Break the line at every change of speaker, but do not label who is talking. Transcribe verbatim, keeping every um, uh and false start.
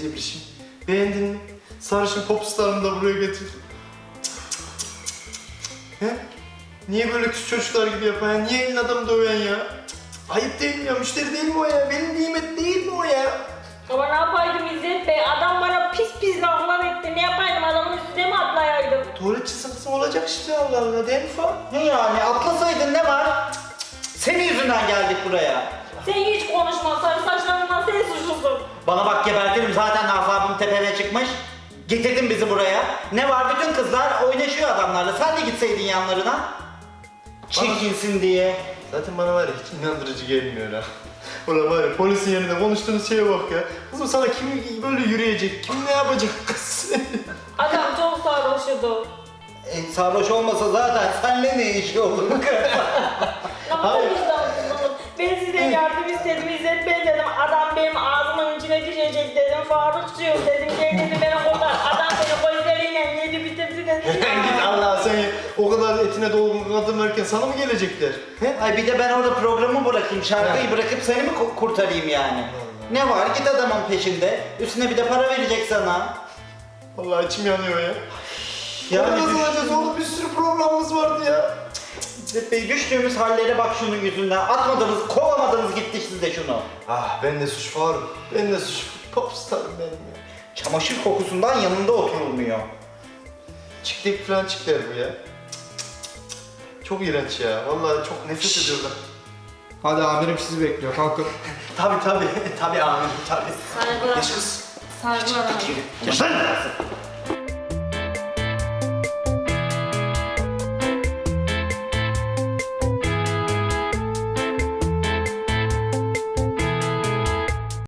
İbrişim. Beğendin mi? Sarışın popstarımı da buraya getirdim. He? Niye böyle küçük çocuklar gibi yapan ya? Niye elin adamı döven ya? Ayıp değil mi ya? Müşteri değil mi o ya? Benim nimet değil mi o ya?
Ama ne yapaydım İzzet Bey? Adam bana pis pis laflar etti. Ne yapaydım? Adamın üstüne mi atlayaydım?
Tuvalet çizgisi olacak işte Allah Allah değil mi falan?
Ne yani atlasaydın ne var? Cık, cık, cık. Senin yüzünden geldik buraya.
Sen hiç konuşma. Sarı saçlarından sen suçlusun.
Bana bak gebertirim zaten asabım tepeme çıkmış. Getirdin bizi buraya. Ne var bütün kızlar oynaşıyor adamlarla. Sen de gitseydin yanlarına. Çirkinsin diye.
Zaten bana var ya hiç inandırıcı gelmiyor ha. Ulan var ya polisin yanında konuştuğunuz şeye bak ya. Kızım sana kim böyle yürüyecek, kim ne yapacak kız?
Adam çok sarhoşudu.
E, sarhoş olmasa zaten senle ne işi olur?
Ne kadar vicdansızsınız. Ben sizden yardım istedim İzzet Bey dedim. Adam benim ağzımın içine düşecek dedim. Farukçuyum dedim. Gel dedi beni kurtar. Adam beni gözleriyle yedi bitirdi dedi.
Git Allah sen o kadar etine dolgun kadın varken sana mı gelecekler? He?
Ay bir de ben orada programı bırakayım, şarkıyı bırakıp seni mi ku- kurtarayım yani? Ne var git adamın peşinde. Üstüne bir de para verecek sana.
Vallahi içim yanıyor ya.
Yani
Yani nasıl
düş-
olacağız oğlum bir sürü programımız vardı ya.
İzzet Bey düştüğümüz hallere bak şunun yüzünden. Atmadınız, kovamadınız gitti size şunu.
Ah ben de suç Faruk. Ben de suç. Popstarım benim ya.
Çamaşır kokusundan yanında oturulmuyor.
Çiklek falan çikler bu ya. Çok iğrenç ya. Vallahi çok nefret ediyorlar.
Hadi amirim sizi bekliyor. Kalkın.
Tabi tabi. Tabi amirim tabi.
Saygılar.
Geç kız.
Saygılar abi.
Geç lan.